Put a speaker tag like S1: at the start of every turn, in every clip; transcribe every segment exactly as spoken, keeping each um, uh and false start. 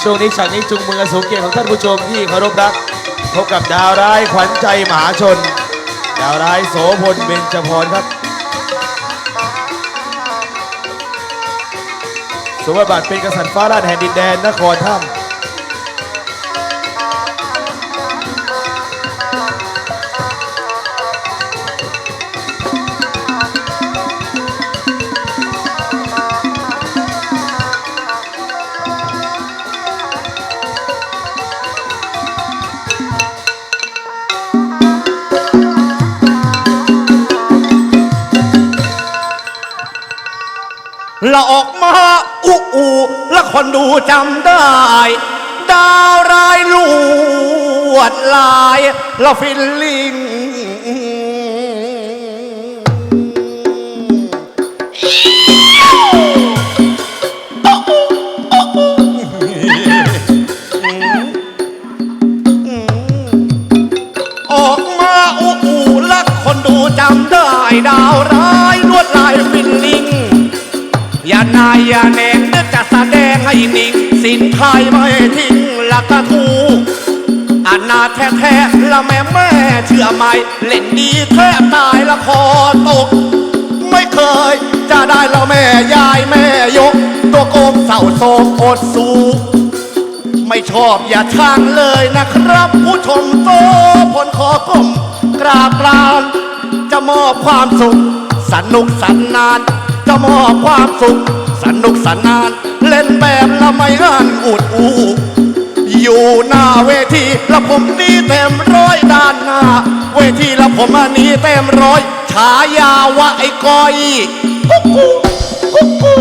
S1: ช่วงนี้ฉากนี้จุงมือสูงเกียรติของท่านผู้ชมที่เคารพรักพบกับดาวร้ายขวัญใจมหาชนดาวร้ายโสพลเบญจพรครับสวมบทบาทเป็นกษัตริย์ฟ้าราชแห่งดินแดนนครถ้ำ
S2: ละออกมาอุอูและคนดูจำได้ดาวร้ายลวดลายละฟิลลิงออกมาอุอูและคนดูจำได้ดาวร้ายลวดลายฟิลลิงอย่านายอย่าแนงนึกจะแสดงให้นิ่งสินไทยไม่ทิ้งละกะทูอนาแท้ๆละแม่แม่เชื่อไหมเล่นดีแทบตายละคอตกไม่เคยจะได้ละแม่ยายแม่ยกตัวโกงเศร้าโศกอดสู้ไม่ชอบอย่าช่างเลยนะครับผู้ชมโตผลขอกลมกราบลานจะมอบความสุขสนุกสนานจะมอบความสุขสนุกสนานเล่นแบบละไม่หันอุดอูอยู่หน้าเวทีละผมนี้เต็มร้อยด้านหน้าเวทีละผมอันนี้เต็มร้อยฉายาว่าไอ้ก้อยกุ๊กกุ๊กกุ๊กกุ๊ก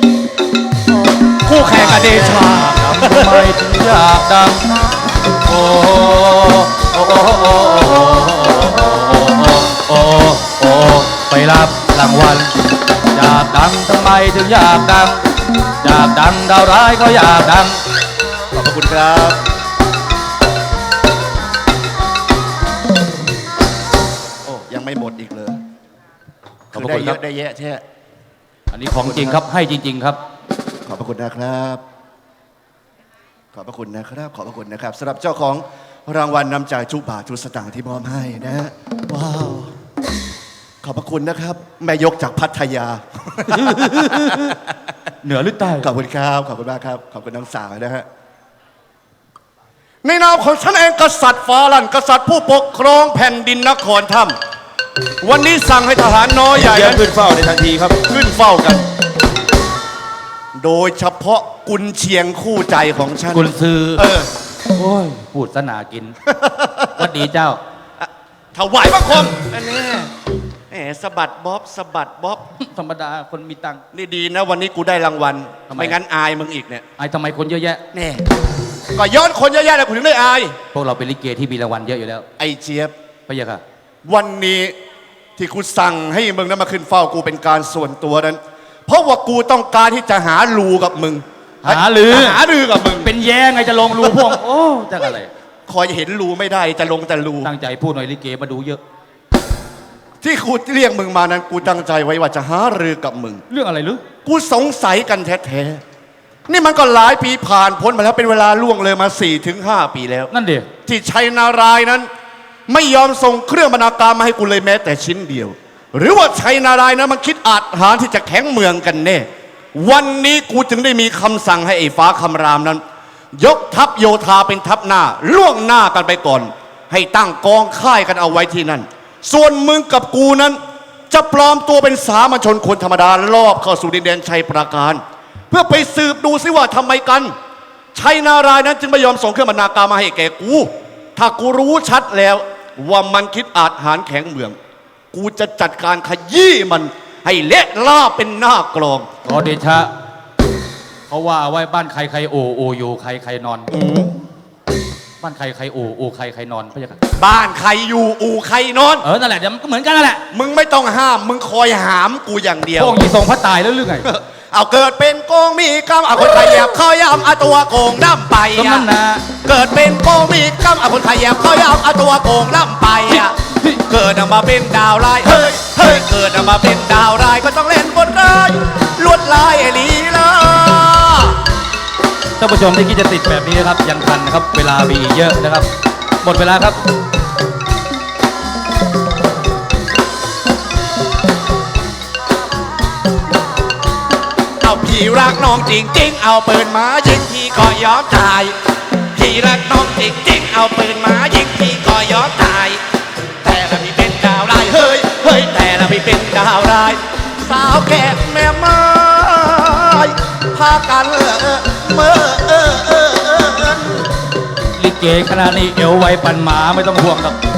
S2: คู่แข่งกับเดชา
S1: ทำไมถึงอยากดังโอ้โอ้โอ้โอ้โอ้โอ้ไปรับรางวัลอยากดังทำไมถึงอยากดังอยากดังดาวร้ายก็อยากดัง
S2: ขอบคุณครับโอ้ยังไม่หมดอีกเลยคือได้เยอะได้แยะแท้
S1: อันนี้ของจริงครับให้จริงๆครับ
S2: ขอบพระคุณนะครับขอบพระคุณนะครับขอบพระคุณนะครับสำหรับเจ้าของรางวัลนำใจทุกบาททุกสตางค์ที่มอบให้นะว้าวขอบพระคุณนะครับแม่ยกจากพัทยา
S1: เหนือหรือใต้
S2: ขอบคุณครับขอบคุณมากครับขอบคุณน้องสาวนะฮะในนามของฉันเองกษัตริย์ฟ้าลั่นกษัตริย์ผู้ปกครองแผ่นดินนครถ้ำวันนี้สั่งให้ทหารน้อยใหญ่
S1: ขึ้นเฝ้าในทันทีครับ
S2: ขึ้นเฝ้ากันโดยเฉพาะกุนเชียงคู่ใจของฉัน
S1: กุนซือ
S2: เออ
S1: โอ้ยพูดสนากินวัดดีเจ้า
S2: ถวายบังคมอันนี้แหมสะบัดบ๊อบสะบัดบ๊อบ
S1: ธรรมดาคนมีตังค์
S2: นี่ดีนะวันนี้กูได้รางวัลไม่งั้นอายมึงอีกเนี่ย
S1: อายทำไมคนเยอะแยะ
S2: แน่ก็ย้อนคนเยอะแยะเลยกูถึงได้อาย
S1: พวกเราเป็นลิเกที่มีรางวัลเยอะอยู่แล้ว
S2: ไอ้เจี๊ยบ
S1: พะยะค่ะ
S2: วันนี้ที่กูสั่งให้มึงนั้นมาขึ้นเฝ้ากูเป็นการส่วนตัวนั้นเพราะว่ากูต้องการที่จะหาลูกับมึง
S1: หาลือ
S2: หาลือกับมึง
S1: เป็นแย่ไงจะลงรูพวกโอ้จะอะไร
S2: คอยเห็นรูไม่ได้จะลงแต่รู
S1: ตั้งใจพูดหน่อยลิเกมาดูเยอะ
S2: ที่กูเรียกมึงมานั้นกูตั้งใจไว้ว่าจะหารือกับมึง
S1: เรื่องอะไรหรือ
S2: กูสงสัยกันแท้ๆนี่มันก็หลายปีผ่านพ้นมาแล้วเป็นเวลาล่วงเลยมา สี่ถึงห้า ปีแล้ว
S1: นั่นเดียว
S2: ที่ชัยนารายณ์นั้นไม่ยอมส่งเครื่องบรรณาการมาให้กูเลยแม้แต่ชิ้นเดียวหรือว่าชัยนารายณ์นั้นมันคิดอาจหาที่จะแข็งเมืองกันแน่วันนี้กูจึงได้มีคำสั่งให้ไอ้ฟ้าคำรามนั้นยกทัพโยธาเป็นทัพหน้าล่วงหน้ากันไปก่อนให้ตั้งกองค่ายกันเอาไว้ที่นั่นส่วนมึงกับกูนั้นจะปลอมตัวเป็นสามัญชนคนธรรมดารอบเข้าสู่ดินแดนชัยปราการเพื่อไปสืบดูซิว่าทำไมกันชัยนารายณ์นั้นจึงไม่ยอมส่งเครื่องบรรณาการมาให้แก่กูถ้ากูรู้ชัดแล้วว่ามันคิดอาจหารแข็งเมืองกูจะจัดการขยี้มันให้เละล่าเป็นหน้ากลอง
S1: ขอเดชะเขาว่าไว้บ้านใครใครโอโออยู่ใครใครนอนบ้านใครใครโอโอใครใครนอนพี่ค่ะ
S2: บ้านใครอยู่อูใครนอน
S1: เออนั่นแหละเดี๋ยวมันก็เหมือนกันนั่นแหละ
S2: มึงไม่ต้องห้ามมึงคอยหามกูอย่างเดียว
S1: พวกนี้ทรงพระตายแล้วหรือไง
S2: เอาเกิดเป็นโกงมีกรรมเอาคนขยับเขาย้ำเอาตัวโกงล่ำไปอ่ะเกิดเป็นโกงมีกรรมเอาคนขยับเขาย้ำเอาตัวโกงล่ำไปอ่ะเกิดออกมาเป็นดาวร้ายเฮ้ยเฮ้ยเกิดออกมาเป็นดาวร้ายก็ต้องเล่นบทร้ายลวดลายลีลา
S1: ท่านผู้ชมที่คิดจะติดแบบนี้นะครับยังทันนะครับเวลามีอีกเยอะนะครับ หมดเวลาครับ
S2: เอาพี่รักน้องจริงๆ เอาปืนมายิงพี่ก็ยอมตาย พี่รักน้องจริงๆ เอาปืนมายิงพี่ก็ยอมตาย แต่ละพี่เป็นดาวร้ายเฮ้ยเฮ้ยแต่ละพี่เป็นดาวร้าย สาวแก่แม่ไม้พากันเออเมื่อเออเออเออ
S1: ลิเกขนาดนี้เอวไวปั่นหมาไม่ต้องห่วงครับ